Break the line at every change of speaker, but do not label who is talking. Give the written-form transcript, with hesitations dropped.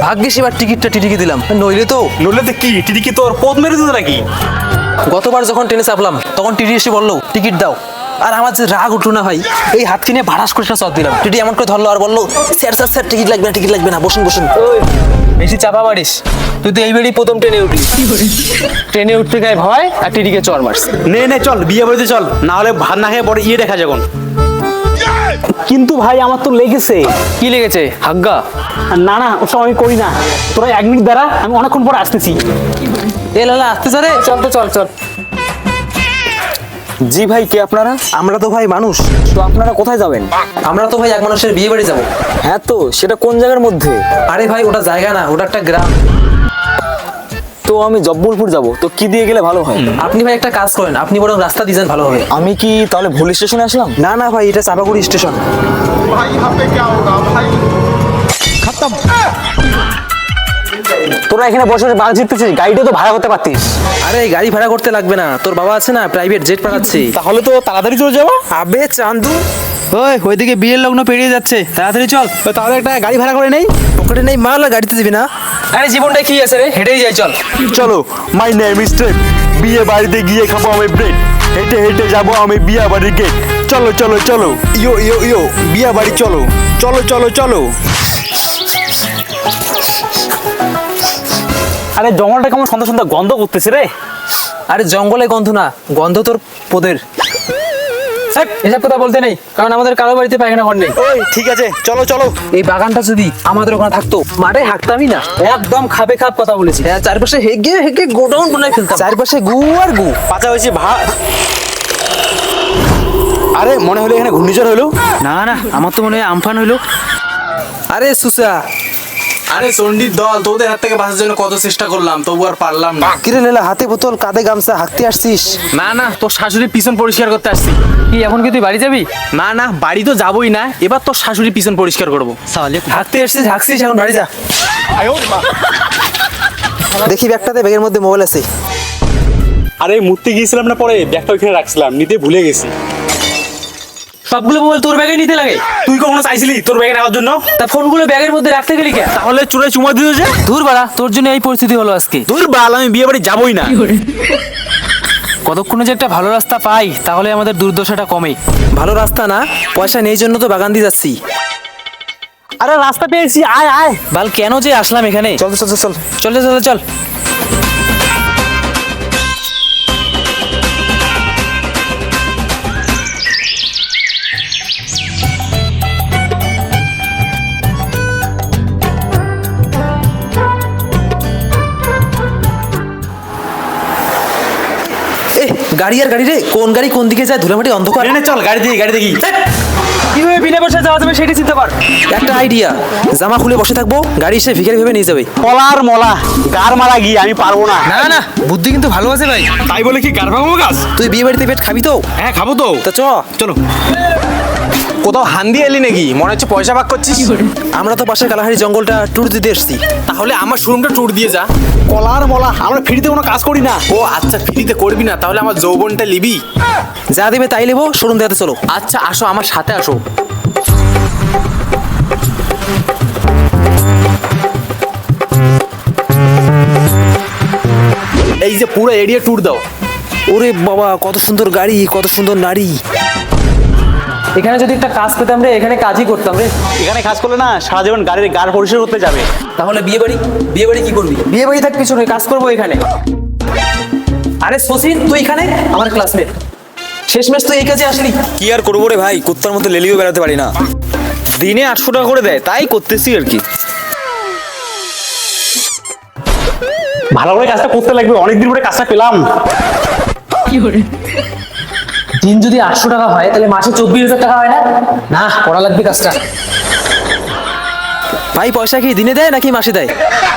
ভাগ্যিস এবার টিকিটটা টিটিকে দিলাম, নইলে তো
কি টিটি কি তোর পথ মেরে দিত নাকি?
গতবার যখন ট্রেনে চাপলাম তখন টিটি এসে বললো টিকিট দাও, আর আমার যে রাগ উঠলো না ভাই, এই হাত কিনে ভাড়াস করে চট দিলাম। টিটি এমন করে ধরলো আর বললো স্যার স্যার স্যার টিকিট লাগবে না, বসুন বসুন। বেশি চাপা পারিস, তুই তো এই বেড়ি প্রথম ট্রেনে উঠলি, ট্রেনে উঠতে গায়ে ভয় আর টিটিকে চর মারছে।
নে চল বিয়ে বাড়িতে চল, না হলে ভাত না খেয়ে পরে ইয়ে দেখা যখন। কিন্তু ভাই আমার তো লেগেছে।
কি লেগেছে? হাগ্গা?
না ওসব আমি করি না, তোরা 1 মিনিট দাঁড়া, আমি অনেকক্ষণ পরে আসতেছি।
এ লালা আসতে চারে, চল তো চল।
জি ভাই, কে আপনারা?
আমরা তো ভাই মানুষ।
তো আপনারা কোথায় যাবেন?
আমরা তো ভাই এক মানুষের বিয়ে বাড়ি যাবো।
হ্যাঁ, তো সেটা কোন জায়গার মধ্যে?
আরে ভাই ওটা জায়গা না, ওটা একটা গ্রাম।
তো আমি জব্বলপুর যাব, তো কি দিয়ে গেলে ভালো হয়?
আপনি ভাই একটা কাজ করেন, আপনি বরং রাস্তা দিয়ে যান, ভালো হবে।
আমি কি তাহলে ভুল স্টেশনে আসলাম?
না ভাই, এটা চাপাগুড়ি স্টেশন।
भाई यहाँ पे क्या होगा भाई?
তোরা এখানে বসে বসে বাল জিততেছিস, গাড়িটা তো ভাড়া করতে পারতিস।
আরে গাড়ি ভাড়া করতে লাগবে না, তোর বাবা আছে না, প্রাইভেট জেট পাঠাচ্ছে।
তাহলে তো তাড়াতাড়ি চলে যাবো।
আবে চান্দু, ওইদিকে বিয়ের লগ্ন পেরিয়ে যাচ্ছে, তাড়াতাড়ি চল।
তাহলে একটা গাড়ি ভাড়া করে নেই।
পকেটে নেই মাল, গাড়িতে যাবি না? আরে জীবনটা কি আছে রে, হেঁটেই যাই, চল।
চলো, মাই নেম ইজ ট্রেপ। বিয়ে বাড়িতে গিয়ে খাবো আমি ব্রেড, হেঁটে হেঁটে যাবো আমি বিয়া বাড়ির গেট। চলো চলো চলো, ইয়ো বিয়া বাড়ি চলো চলো চলো চলো।
আরে জঙ্গলটা কেমন সুন্দর সুন্দর গন্ধ করতেছে রে।
আরে জঙ্গলে গন্ধ না, গন্ধ তোর পোদের। এসব কথা বলতে নেই, কারণ আমাদের কারো বাড়িতে পায়খানা ঘর নেই।
ওই ঠিক আছে, চলো চলো।
এই বাগানটা যদি আমাদের ওখানে থাকতো, মাঠে হাঁকতামই না।
একদম খাবে খাপ কথা বলেছি।
হ্যাঁ, চারপাশে হেগে হেগে গোডাউন বানাই ফেলতাম, চারপাশে গু আর গু।
পাতা হয়েছে ভাত। আরে মনে হলো এখানে ঘূর্ণিঝড় হলো।
না আমার তো মনে হয় আমফান হইলো। আরে সুসা,
আরে চন্ডির দল, তোদের হাত থেকে বাঁচার জন্য কত চেষ্টা করলাম, তবু আর পারলাম না।
কিরে লেলা, হাতে বোতল কাঁধে গামছা, হাঁকতে আসছিস?
না তোর শাশুড়ির পিছন পরিষ্কার করতে আসছি।
কি এখন কি তুই বাড়ি যাবি?
না বাড়ি তো যাবোই না, এবার তোর শাশুড়ির পিছন পরিষ্কার করবো।
হাঁকতে আসছিস, হাঁকছিস, এখন বাড়ি যা। দেখি ব্যাগটাতে, ব্যাগের মধ্যে মোবাইল আছে।
আরে মূর্তি গিয়েছিলাম না, পরে ব্যাগটা ওইখানে রাখছিলাম, নিতে ভুলে গেছি।
সবগুলো মোবাইল তোর ব্যাগে নিতে লাগে?
তুই কখনো চাইছিলি তোর ব্যাগে নেওয়ার জন্য?
তা ফোনগুলো ব্যাগের মধ্যে রাখতে গেলি কেন?
তাহলে চুরে চুমা দিল যে।
দূর বাড়া, তোর জন্য এই পরিস্থিতি হলো আজকে।
তোর বাল, আমি বিয়ে বাড়ি যাবোই না।
কতক্ষণে যে একটা ভালো রাস্তা পাই, তাহলে আমাদের দুর্দশাটা কমে। ভালো রাস্তা না, পয়সা নেই জন্য তো বাগান দিয়ে যাচ্ছি।
আরে রাস্তা পেয়েছি, আয়।
বাল কেন যে আসলাম এখানে? চল। গাড়ি রে, কোন গাড়ি কোন দিকে যায়, ধুলামাটি অন্ধকার।
চল গাড়ি দেখি।
কিভাবে বিনা পয়সা যাওয়া যাবে সেটা চিন্তা কর। একটা আইডিয়া, জামা খুলে বসে থাকবো, গাড়ি এসে ভিখারি ভেবে নিয়ে যাবে।
কলার মলা গার মারা গিয়ে আমি পারবো না।
না বুদ্ধি কিন্তু ভালো আছে ভাই।
তাই বলে কি গার ভাঙবো গাছ?
তুই বিয়ে বাড়িতে পেট খাবি তো?
হ্যাঁ খাবো তো।
তা
চলো।
কোথাও হান্দি এলি নাকি? মনে হচ্ছে পয়সা ভাগ করছিস।
আমরা তো পাশের কালাহারি জঙ্গলটা ট্যুর দিতে এসেছি।
তাহলে আমার শোরুমটা ট্যুর দিয়ে যা।
কলার মলা, আমরা ফ্রিতে কোনো কাজ করি না।
ও আচ্ছা, ফ্রিতে করবি না, তাহলে আমার যৌবনটা লিবি।
যা দেবে তাই নেবো, শোরুম দেখাতে চলো।
আচ্ছা আসো, আমার সাথে আসো। এই যে পুরো এরিয়া ট্যুর দাও।
ওরে বাবা, কত সুন্দর গাড়ি, কত সুন্দর নারী। এখানে যদি একটা কাজ পেতাম রে, এখানে কাজই করতাম রে।
এখানে কাজ করলে না সারা জীবন গাড়ির গার পরিষ্কার করতে যাবে।
তাহলে বিয়ে বাড়ি কি করবি? বিয়ে বাড়ি থাক পিছনে, কাজ করবো এখানে। আরে শচীন, তুই এখানে আমার ক্লাসমেট, শেষমেশ তুই এই কাজে আসলি।
কি আর করবো রে ভাই, কুত্তার মতো লেলিও বেড়াতে পারি না। দিনে 800 টাকা করে দেয়, তাই করতেছি আর কি।
ভালো করে কাজটা করতে লাগবে, অনেকদিন পরে কাজটা পেলাম।
দিন যদি 800 টাকা হয়, তাহলে মাসে 24,000 টাকা হয় না? করা লাগবে কাজটা। ভাই পয়সা কি দিনে দেয় নাকি মাসে দেয়?